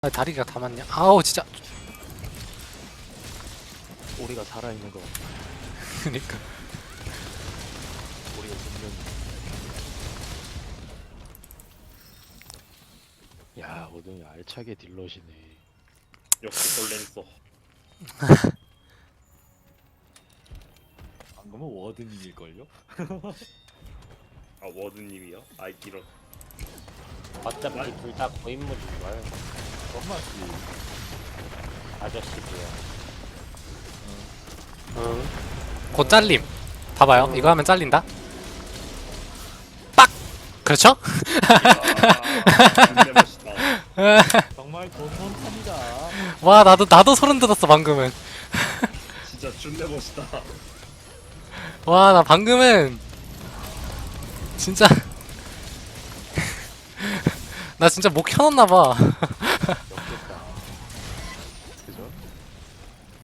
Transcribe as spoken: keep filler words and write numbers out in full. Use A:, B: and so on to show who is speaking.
A: 아, 다리가 다 맞냐? 아우 진짜.
B: 우리가 살아있는 거
A: 그니까.
B: 우리가 분명히 야 오늘 알차게 딜러시네.
C: 역시 벌렌서.
B: 방금은 워드님일걸요?
C: 아 워드님이요? 아이 이런.
D: 어차피 둘 다 고인물이 좋아요.
B: 엄마지.
D: 아저씨고요.
A: 응. 곧 잘림. 봐봐요. 이거 하면 잘린다. 빡. 그렇죠?
C: 진짜 멋있다.
B: 정말 돈돈합니다.
A: 와 나도 나도 소름 돋았어 방금은.
C: 진짜 준내 멋있다.
A: 와 나 방금은 진짜 나 진짜 목 켜놨나봐.